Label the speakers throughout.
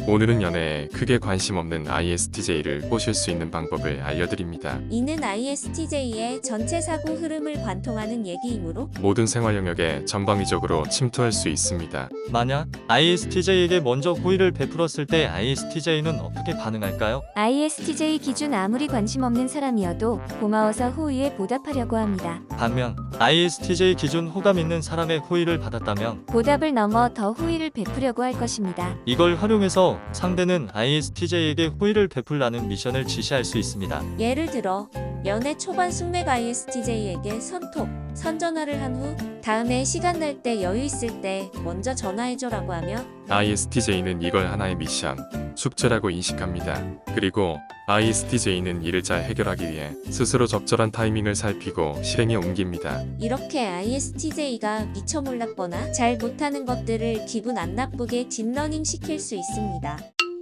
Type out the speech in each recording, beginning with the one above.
Speaker 1: 오늘은 연애에 크게 관심 없는 ISTJ를 꼬실 수 있는 방법을 알려드립니다.
Speaker 2: 이는 ISTJ의 전체 사고 흐름을 관통하는 얘기이므로
Speaker 1: 모든 생활 영역에 전방위적으로 침투할 수 있습니다.
Speaker 3: 만약 ISTJ에게 먼저 호의를 베풀었을 때 ISTJ는 어떻게 반응할까요?
Speaker 4: ISTJ 기준 아무리 관심 없는 사람이어도 고마워서 호의에 보답하려고 합니다.
Speaker 3: 반면 ISTJ 기준 호감 있는 사람의 호의를 받았다면
Speaker 4: 보답을 넘어 더 호의를 베푸려고 할 것입니다.
Speaker 3: 이걸 활용해서 상대는 ISTJ에게 호의를 베풀라는 미션을 지시할 수 있습니다.
Speaker 2: 예를 들어 연애 초반 숙맥 ISTJ에게 선톡, 선전화를 한 후 다음에 시간 날 때 여유 있을 때 먼저 전화해줘라고 하며
Speaker 1: ISTJ는 이걸 하나의 미션, 숙제라고 인식합니다. 그리고 ISTJ는 이를 잘 해결하기 위해 스스로 적절한 타이밍을 살피고 실행에 옮깁니다.
Speaker 2: 이렇게 ISTJ가 미처 몰랐거나 잘 못하는 것들을 기분 안 나쁘게 딥러닝 시킬 수 있습니다.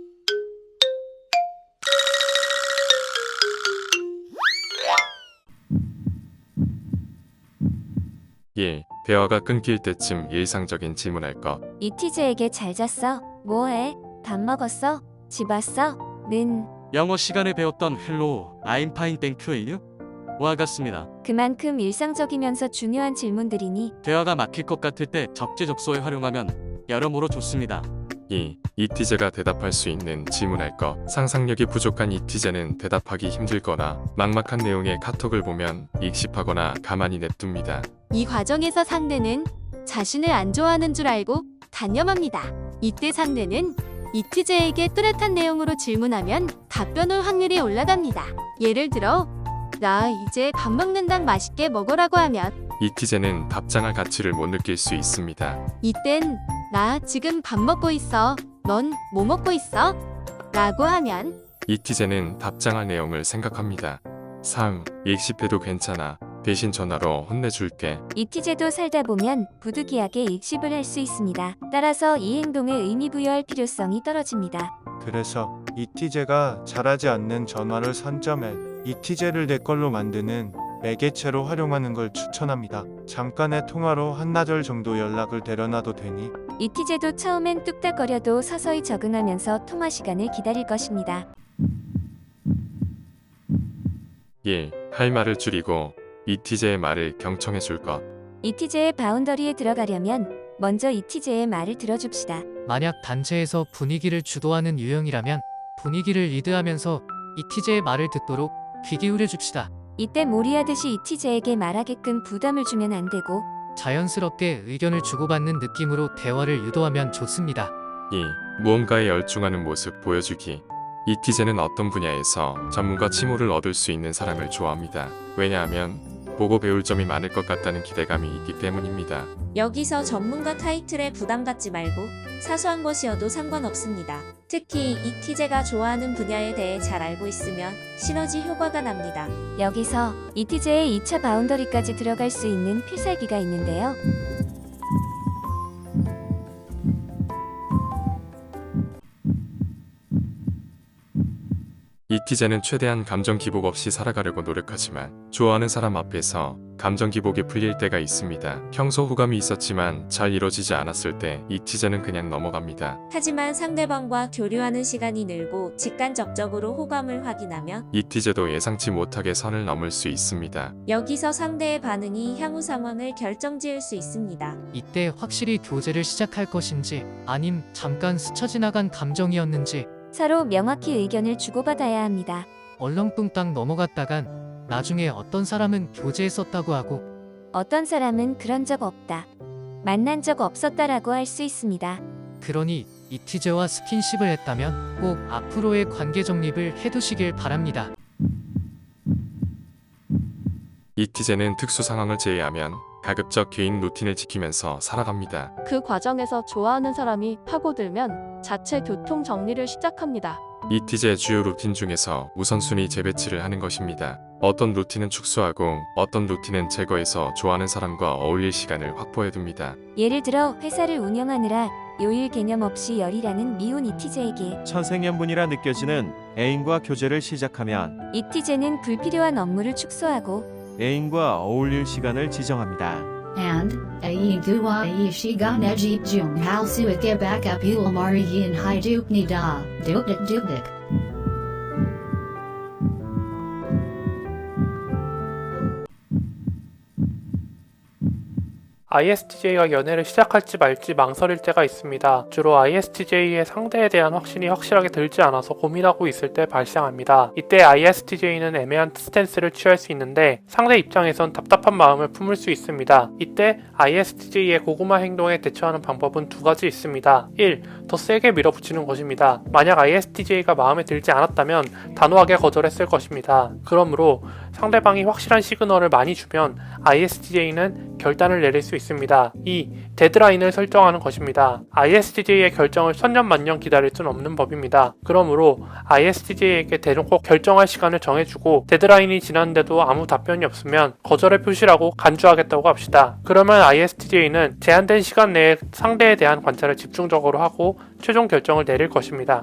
Speaker 1: 대화가 끊길 때쯤 일상적인 질문할 것.
Speaker 4: ETJ에게 잘 잤어? 뭐해? 밥 먹었어? 집 왔어? 는
Speaker 5: 영어 시간에 배웠던 헬로, I'm fine, thank you. 와 같습니다.
Speaker 4: 그만큼 일상적이면서 중요한 질문들이니
Speaker 5: 대화가 막힐 것 같을 때 적재적소에 활용하면 여러모로 좋습니다.
Speaker 1: ETJ가 대답할 수 있는 질문할 것. 상상력이 부족한 ETJ는 대답하기 힘들거나 막막한 내용의 카톡을 보면 익십하거나 가만히 냅둡니다.
Speaker 6: 이 과정에서 상대는 자신을 안 좋아하는 줄 알고 단념합니다. 이때 상대는 ETJ에게 뚜렷한 내용으로 질문하면 답변 올 확률이 올라갑니다. 예를 들어 나 이제 밥 먹는다 맛있게 먹으라고 하면
Speaker 1: ETJ는 답장할 가치를 못 느낄 수 있습니다.
Speaker 6: 이땐 나 지금 밥 먹고 있어. 넌 뭐 먹고 있어? 라고 하면
Speaker 1: ETJ는 답장할 내용을 생각합니다. 익십해도 괜찮아. 대신 전화로 혼내줄게.
Speaker 4: ETJ도 살다 보면 부득이하게 익십을 할 수 있습니다. 따라서 이 행동에 의미 부여할 필요성이 떨어집니다.
Speaker 7: 그래서 ETJ가 잘하지 않는 전화를 선점해 ETJ를 내 걸로 만드는 매개체로 활용하는 걸 추천합니다. 잠깐의 통화로 한나절 정도 연락을 데려놔도 되니
Speaker 4: ETJ도 처음엔 뚝딱거려도 서서히 적응하면서 통화 시간을 기다릴 것입니다.
Speaker 1: 할 말을 줄이고 ETJ의 말을 경청해 줄 것.
Speaker 4: ETJ의 바운더리에 들어가려면 먼저 ETJ의 말을 들어줍시다.
Speaker 8: 만약 단체에서 분위기를 주도하는 유형이라면 분위기를 리드하면서 ETJ의 말을 듣도록 귀 기울여 줍시다.
Speaker 4: 이때 몰이하듯이 ETJ에게 말하게끔 부담을 주면 안 되고
Speaker 8: 자연스럽게 의견을 주고받는 느낌으로 대화를 유도하면 좋습니다.
Speaker 1: 무언가에 열중하는 모습 보여주기. ETJ는 어떤 분야에서 전문가 칭호를 얻을 수 있는 사람을 좋아합니다. 왜냐하면 보고 배울 점이 많을 것 같다는 기대감이 있기 때문입니다.
Speaker 2: 여기서 전문가 타이틀에 부담 갖지 말고 사소한 것이어도 상관없습니다. 특히 ETJ가 좋아하는 분야에 대해 잘 알고 있으면 시너지 효과가 납니다.
Speaker 4: 여기서 ETJ의 2차 바운더리까지 들어갈 수 있는 필살기가 있는데요.
Speaker 1: ETJ는 최대한 감정 기복 없이 살아가려고 노력하지만 좋아하는 사람 앞에서 감정 기복이 풀릴 때가 있습니다. 평소 호감이 있었지만 잘 이루어지지 않았을 때 ETJ는 그냥 넘어갑니다.
Speaker 2: 하지만 상대방과 교류하는 시간이 늘고 직간접적으로 호감을 확인하면
Speaker 1: ETJ도 예상치 못하게 선을 넘을 수 있습니다.
Speaker 2: 여기서 상대의 반응이 향후 상황을 결정지을 수 있습니다.
Speaker 8: 이때 확실히 교제를 시작할 것인지 아님 잠깐 스쳐 지나간 감정이었는지
Speaker 4: 서로 명확히 의견을 주고받아야 합니다.
Speaker 8: 얼렁뚱땅 넘어갔다간 나중에 어떤 사람은 교제했었다고 하고
Speaker 4: 어떤 사람은 그런 적 없다, 만난 적 없었다라고 할 수 있습니다.
Speaker 8: 그러니 ETJ와 스킨십을 했다면 꼭 앞으로의 관계 정립을 해두시길 바랍니다.
Speaker 1: ETJ는 특수 상황을 제외하면 가급적 개인 루틴을 지키면서 살아갑니다.
Speaker 6: 그 과정에서 좋아하는 사람이 파고들면 자체 교통 정리를 시작합니다.
Speaker 1: ETJ의 주요 루틴 중에서 우선순위 재배치를 하는 것입니다. 어떤 루틴은 축소하고 어떤 루틴은 제거해서 좋아하는 사람과 어울릴 시간을 확보해둡니다.
Speaker 4: 예를 들어 회사를 운영하느라 요일 개념 없이 열일하는 미혼 ETJ에게
Speaker 9: 천생연분이라 느껴지는 애인과 교제를 시작하면
Speaker 4: ETJ는 불필요한 업무를 축소하고
Speaker 9: 애인과 어울릴 시간을 지정합니다.
Speaker 10: and Ai Gua Ai Shiga Nejip Jung Hal Suike Baka Pul Mari Yin Hai Duk Ni Da Duk Dik Duk Dik.
Speaker 11: ISTJ가 연애를 시작할지 말지 망설일 때가 있습니다. 주로 ISTJ의 상대에 대한 확신이 확실하게 들지 않아서 고민하고 있을 때 발생합니다. 이때 ISTJ는 애매한 스탠스를 취할 수 있는데 상대 입장에선 답답한 마음을 품을 수 있습니다. 이때 ISTJ의 고구마 행동에 대처하는 방법은 두 가지 있습니다. 1. 더 세게 밀어붙이는 것입니다. 만약 ISTJ가 마음에 들지 않았다면 단호하게 거절했을 것입니다. 그러므로 상대방이 확실한 시그널을 많이 주면 ISTJ는 결단을 내릴 수 있습니다. 2. 데드라인을 설정하는 것입니다. ISTJ의 결정을 천년만년 기다릴 순 없는 법입니다. 그러므로 ISTJ에게 대놓고 결정할 시간을 정해주고 데드라인이 지났는데도 아무 답변이 없으면 거절의 표시라고 간주하겠다고 합시다. 그러면 ISTJ는 제한된 시간 내에 상대에 대한 관찰을 집중적으로 하고 최종 결정을 내릴 것입니다.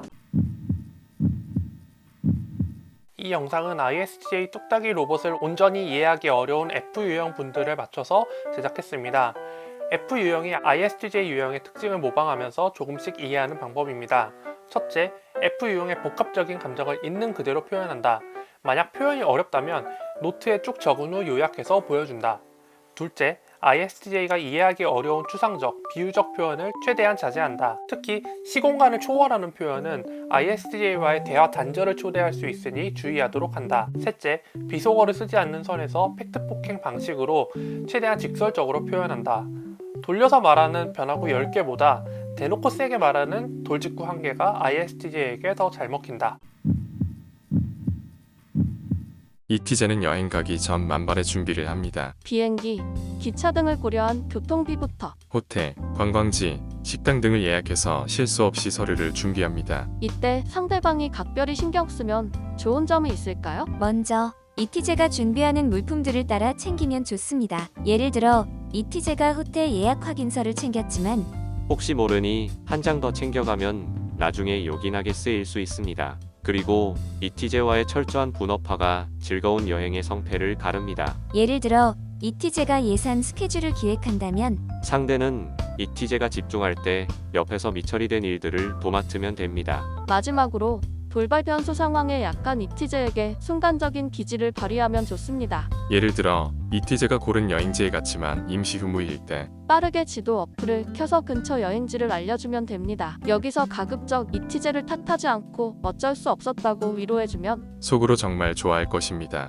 Speaker 11: 이 영상은 ISTJ 뚝딱이 로봇을 온전히 이해하기 어려운 F 유형 분들을 맞춰서 제작했습니다. F 유형이 ISTJ 유형의 특징을 모방하면서 조금씩 이해하는 방법입니다. 첫째, F 유형의 복합적인 감정을 있는 그대로 표현한다. 만약 표현이 어렵다면 노트에 쭉 적은 후 요약해서 보여준다. 둘째, ISTJ가 이해하기 어려운 추상적, 비유적 표현을 최대한 자제한다. 특히 시공간을 초월하는 표현은 ISTJ와의 대화 단절을 초래할 수 있으니 주의하도록 한다. 셋째, 비속어를 쓰지 않는 선에서 팩트 폭행 방식으로 최대한 직설적으로 표현한다. 돌려서 말하는 변화구 10개보다 대놓고 세게 말하는 돌직구 1개가 ISTJ에게 더 잘 먹힌다.
Speaker 1: 이티제는 여행 가기 전 만반의 준비를 합니다.
Speaker 6: 비행기, 기차 등을 고려한 교통비부터.
Speaker 1: 호텔, 관광지, 식당 등을 예약해서 실수 없이 서류를 준비합니다.
Speaker 6: 이때 상대방이 각별히 신경 쓰면 좋은 점이 있을까요?
Speaker 4: 먼저 이티제가 준비하는 물품들을 따라 챙기면 좋습니다. 예를 들어 이티제가 호텔 예약 확인서를 챙겼지만
Speaker 12: 혹시 모르니 한 장 더 챙겨가면 나중에 요긴하게 쓰일 수 있습니다. 그리고 이티제와의 철저한 분업화가 즐거운 여행의 성패를 가릅니다.
Speaker 4: 예를 들어 이티제가 예산 스케줄을 기획한다면
Speaker 12: 상대는 이티제가 집중할 때 옆에서 미처리 된 일들을 도맡으면 됩니다.
Speaker 6: 마지막으로 돌발 변수 상황에 약한 이티제에게 순간적인 기지를 발휘하면 좋습니다.
Speaker 1: 예를 들어 이티제가 고른 여행지에 갔지만 임시 휴무일 때
Speaker 6: 빠르게 지도 어플을 켜서 근처 여행지를 알려주면 됩니다. 여기서 가급적 이티제를 탓하지 않고 어쩔 수 없었다고 위로해주면
Speaker 1: 속으로 정말 좋아할 것입니다.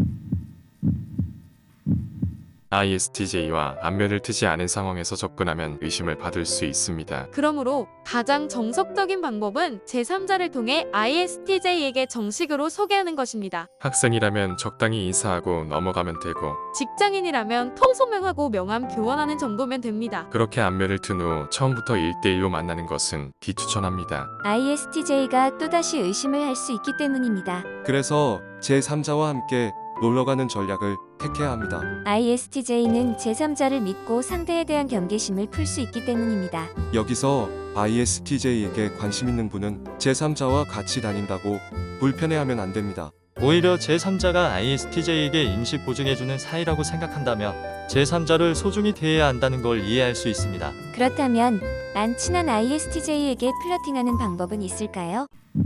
Speaker 1: ISTJ와 안면을 트지 않은 상황에서 접근하면 의심을 받을 수 있습니다.
Speaker 13: 그러므로 가장 정석적인 방법은 제3자를 통해 ISTJ에게 정식으로 소개하는 것입니다.
Speaker 1: 학생이라면 적당히 인사하고 넘어가면 되고
Speaker 13: 직장인이라면 통소명하고 명함 교환하는 정도면 됩니다.
Speaker 1: 그렇게 안면을 튼 후 처음부터 1대1로 만나는 것은 비추천합니다.
Speaker 4: ISTJ가 또다시 의심을 할 수 있기 때문입니다.
Speaker 14: 그래서 제3자와 함께 놀러가는 전략을 택해야 합니다.
Speaker 4: ISTJ는 제3자를 믿고 상대에 대한 경계심을 풀 수 있기 때문입니다.
Speaker 14: 여기서 ISTJ에게 관심 있는 분은 제3자와 같이 다닌다고 불편해하면 안 됩니다.
Speaker 3: 오히려 제3자가 ISTJ에게 인식 보증해주는 사이라고 생각한다면 제3자를 소중히 대해야 한다는 걸 이해할 수 있습니다.
Speaker 4: 그렇다면 안 친한 ISTJ에게 플러팅하는 방법은 있을까요?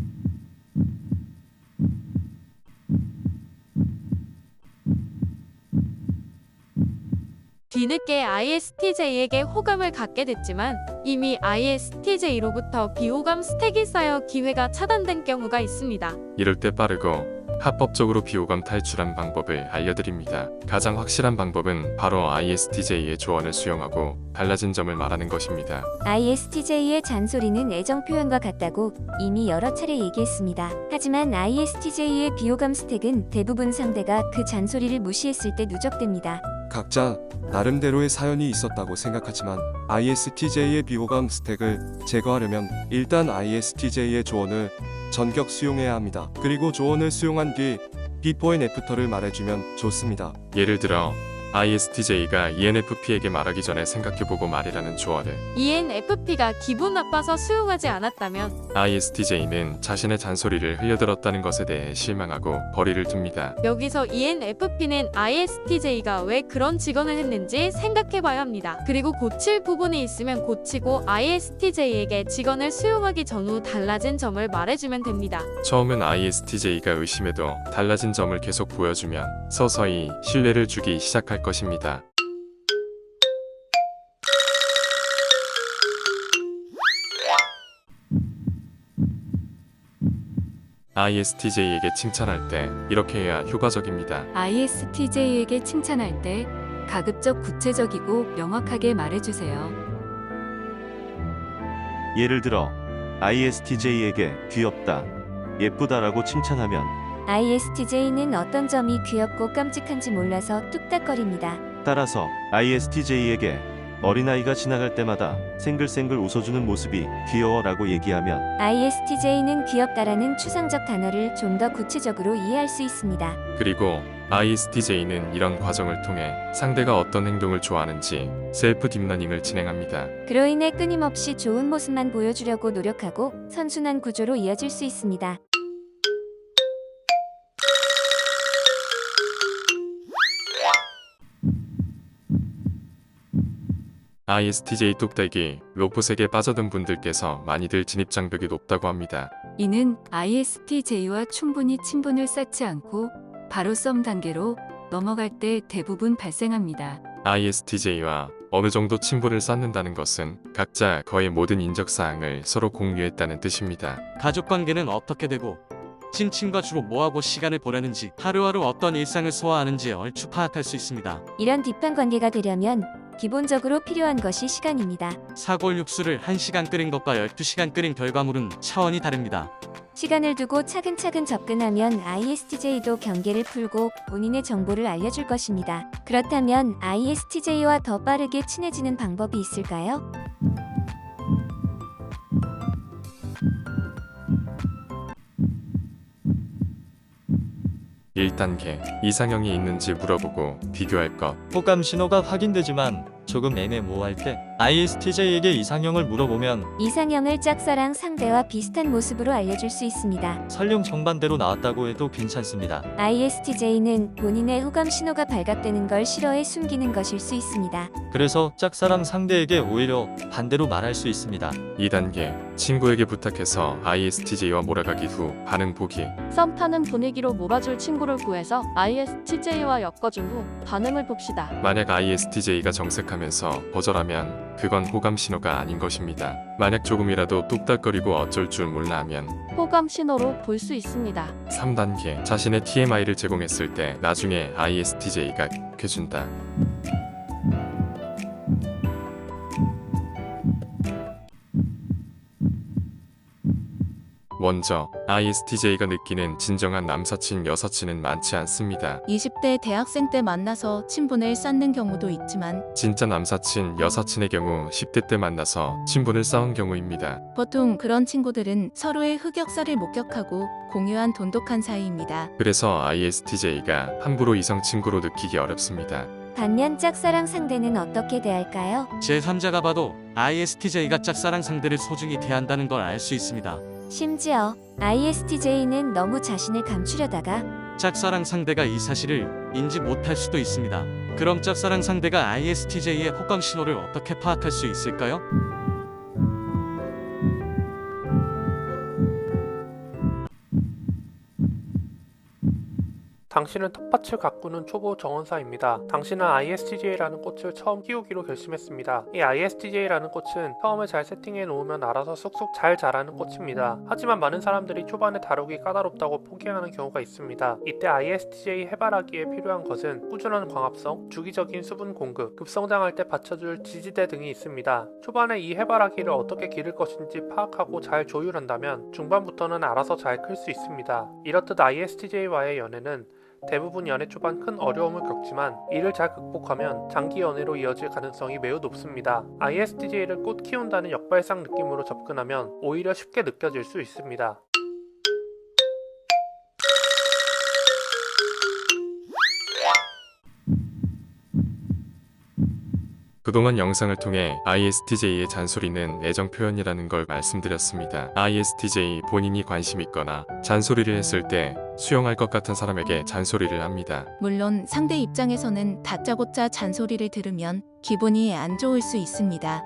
Speaker 13: 뒤늦게 ISTJ에게 호감을 갖게 됐지만 이미 ISTJ로부터 비호감 스택이 쌓여 기회가 차단된 경우가 있습니다.
Speaker 1: 이럴 때 빠르고 합법적으로 비호감 탈출한 방법을 알려드립니다. 가장 확실한 방법은 바로 ISTJ의 조언을 수용하고 달라진 점을 말하는 것입니다.
Speaker 4: ISTJ의 잔소리는 애정 표현과 같다고 이미 여러 차례 얘기했습니다. 하지만 ISTJ의 비호감 스택은 대부분 상대가 그 잔소리를 무시했을 때 누적됩니다.
Speaker 14: 각자 나름대로의 사연이 있었다고 생각하지만 ISTJ의 비호감 스택을 제거하려면 일단 ISTJ의 조언을 전격 수용해야 합니다. 그리고 조언을 수용한 뒤 비포 앤 애프터를 말해주면 좋습니다.
Speaker 1: 예를 들어 ISTJ가 ENFP에게 말하기 전에 생각해보고 말이라는 조언을.
Speaker 13: ENFP가 기분 나빠서 수용하지 않았다면
Speaker 1: ISTJ는 자신의 잔소리를 흘려들었다는 것에 대해 실망하고 거리를 둡니다.
Speaker 13: 여기서 ENFP는 ISTJ가 왜 그런 직언을 했는지 생각해봐야 합니다. 그리고 고칠 부분이 있으면 고치고 ISTJ에게 직언을 수용하기 전후 달라진 점을 말해주면 됩니다.
Speaker 1: 처음은 ISTJ가 의심해도 달라진 점을 계속 보여주면 서서히 신뢰를 주기 시작할 것입니다. ISTJ에게 칭찬할 때 이렇게 해야 효과적입니다.
Speaker 4: ISTJ에게 칭찬할 때 가급적 구체적이고 명확하게 말해주세요.
Speaker 9: 예를 들어 ISTJ에게 귀엽다, 예쁘다라고 칭찬하면
Speaker 4: ISTJ는 어떤 점이 귀엽고 깜찍한지 몰라서 뚝딱거립니다.
Speaker 9: 따라서 ISTJ에게 어린아이가 지나갈 때마다 생글생글 웃어주는 모습이 귀여워라고 얘기하면
Speaker 4: ISTJ는 귀엽다라는 추상적 단어를 좀 더 구체적으로 이해할 수 있습니다.
Speaker 1: 그리고 ISTJ는 이런 과정을 통해 상대가 어떤 행동을 좋아하는지 셀프 딥러닝을 진행합니다.
Speaker 4: 그로 인해 끊임없이 좋은 모습만 보여주려고 노력하고 선순환 구조로 이어질 수 있습니다.
Speaker 1: ISTJ 뚝딱이 로봇에게 빠져든 분들께서 많이들 진입장벽이 높다고 합니다.
Speaker 4: 이는 ISTJ와 충분히 친분을 쌓지 않고 바로 썸 단계로 넘어갈 때 대부분 발생합니다.
Speaker 1: ISTJ와 어느 정도 친분을 쌓는다는 것은 각자 거의 모든 인적사항을 서로 공유했다는 뜻입니다.
Speaker 5: 가족관계는 어떻게 되고 친친과 주로 뭐하고 시간을 보내는지 하루하루 어떤 일상을 소화하는지 얼추 파악할 수 있습니다.
Speaker 4: 이런 딥한 관계가 되려면 기본적으로 필요한 것이 시간입니다.
Speaker 5: 사골 육수를 1시간 끓인 것과 12시간 끓인 결과물은 차원이 다릅니다.
Speaker 4: 시간을 두고 차근차근 접근하면 ISTJ도 경계를 풀고 본인의 정보를 알려줄 것입니다. 그렇다면 ISTJ와 더 빠르게 친해지는 방법이 있을까요?
Speaker 1: (1단계) 이상형이 있는지 물어보고 비교할 것.
Speaker 3: 호감 신호가 확인되지만 조금 애매모호할 때 ISTJ에게 이상형을 물어보면
Speaker 4: 이상형을 짝사랑 상대와 비슷한 모습으로 알려줄 수 있습니다.
Speaker 3: 설령 정반대로 나왔다고 해도 괜찮습니다.
Speaker 4: ISTJ는 본인의 호감 신호가 발각되는 걸 싫어해 숨기는 것일 수 있습니다.
Speaker 3: 그래서 짝사랑 상대에게 오히려 반대로 말할 수 있습니다.
Speaker 1: 2단계 친구에게 부탁해서 ISTJ와 몰아가기 후 반응 보기.
Speaker 13: 썸 타는 분위기로 몰아줄 친구를 구해서 ISTJ와 엮어준 후 반응을 봅시다.
Speaker 1: 만약 ISTJ가 정색하면서 거절하면 그건 호감 신호가 아닌 것입니다. 만약 조금이라도 뚝딱거리고 어쩔 줄 몰라 하면
Speaker 13: 호감 신호로 볼 수 있습니다.
Speaker 1: 3단계 자신의 TMI를 제공했을 때 나중에 ISTJ가 해준다. 먼저 ISTJ가 느끼는 진정한 남사친 여사친은 많지 않습니다.
Speaker 15: 20대 대학생 때 만나서 친분을 쌓는 경우도 있지만
Speaker 1: 진짜 남사친 여사친의 경우 10대 때 만나서 친분을 쌓은 경우입니다.
Speaker 15: 보통 그런 친구들은 서로의 흑역사를 목격하고 공유한 돈독한 사이입니다.
Speaker 1: 그래서 ISTJ가 함부로 이성 친구로 느끼기 어렵습니다.
Speaker 4: 반면 짝사랑 상대는 어떻게 대할까요?
Speaker 5: 제3자가 봐도 ISTJ가 짝사랑 상대를 소중히 대한다는 걸 알 수 있습니다.
Speaker 4: 심지어 ISTJ는 너무 자신을 감추려다가
Speaker 5: 짝사랑 상대가 이 사실을 인지 못할 수도 있습니다. 그럼 짝사랑 상대가 ISTJ의 호감 신호를 어떻게 파악할 수 있을까요?
Speaker 11: 당신은 텃밭을 가꾸는 초보 정원사입니다. 당신은 ISTJ라는 꽃을 처음 키우기로 결심했습니다. 이 ISTJ라는 꽃은 처음에 잘 세팅해 놓으면 알아서 쑥쑥 잘 자라는 꽃입니다. 하지만 많은 사람들이 초반에 다루기 까다롭다고 포기하는 경우가 있습니다. 이때 ISTJ 해바라기에 필요한 것은 꾸준한 광합성, 주기적인 수분 공급, 급성장할 때 받쳐줄 지지대 등이 있습니다. 초반에 이 해바라기를 어떻게 기를 것인지 파악하고 잘 조율한다면 중반부터는 알아서 잘 클 수 있습니다. 이렇듯 ISTJ와의 연애는 대부분 연애 초반 큰 어려움을 겪지만 이를 잘 극복하면 장기 연애로 이어질 가능성이 매우 높습니다. ISTJ를 꽃 키운다는 역발상 느낌으로 접근하면 오히려 쉽게 느껴질 수 있습니다.
Speaker 1: 그동안 영상을 통해 ISTJ의 잔소리는 애정 표현이라는 걸 말씀드렸습니다. ISTJ 본인이 관심 있거나 잔소리를 했을 때 수용할 것 같은 사람에게 잔소리를 합니다.
Speaker 15: 물론 상대 입장에서는 다짜고짜 잔소리를 들으면 기분이 안 좋을 수 있습니다.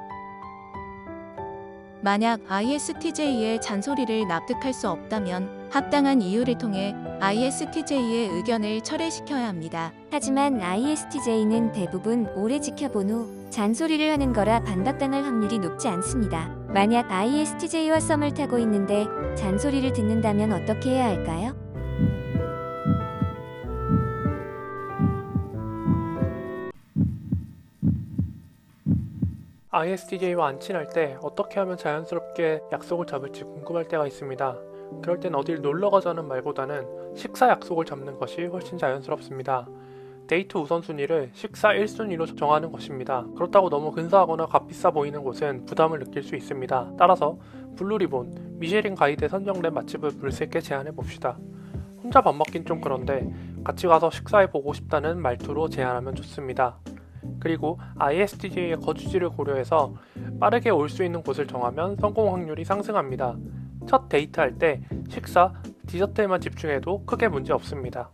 Speaker 15: 만약 ISTJ의 잔소리를 납득할 수 없다면 합당한 이유를 통해 ISTJ의 의견을 철회시켜야 합니다.
Speaker 4: 하지만 ISTJ는 대부분 오래 지켜본 후 잔소리를 하는 거라 반박당할 확률이 높지 않습니다. 만약 ISTJ와 썸을 타고 있는데 잔소리를 듣는다면 어떻게 해야 할까요?
Speaker 11: ISTJ와 안 친할 때 어떻게 하면 자연스럽게 약속을 잡을지 궁금할 때가 있습니다. 그럴 땐 어딜 놀러 가자는 말보다는 식사 약속을 잡는 것이 훨씬 자연스럽습니다. 데이트 우선순위를 식사 1순위로 정하는 것입니다. 그렇다고 너무 근사하거나 값비싸 보이는 곳은 부담을 느낄 수 있습니다. 따라서 블루리본, 미쉐린 가이드에 선정된 맛집을 물색해 제안해 봅시다. 혼자 밥 먹긴 좀 그런데 같이 가서 식사해 보고 싶다는 말투로 제안하면 좋습니다. 그리고 ISTJ의 거주지를 고려해서 빠르게 올 수 있는 곳을 정하면 성공 확률이 상승합니다. 첫 데이트할 때 식사, 디저트에만 집중해도 크게 문제 없습니다.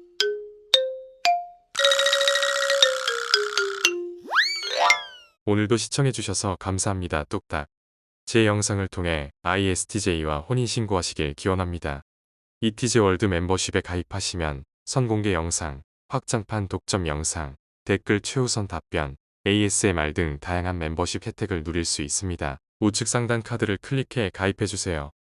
Speaker 1: 오늘도 시청해주셔서 감사합니다. 뚝딱. 제 영상을 통해 ISTJ와 혼인신고하시길 기원합니다. 이티제 월드 멤버십에 가입하시면 선공개 영상, 확장판 독점 영상, 댓글 최우선 답변, ASMR 등 다양한 멤버십 혜택을 누릴 수 있습니다. 우측 상단 카드를 클릭해 가입해주세요.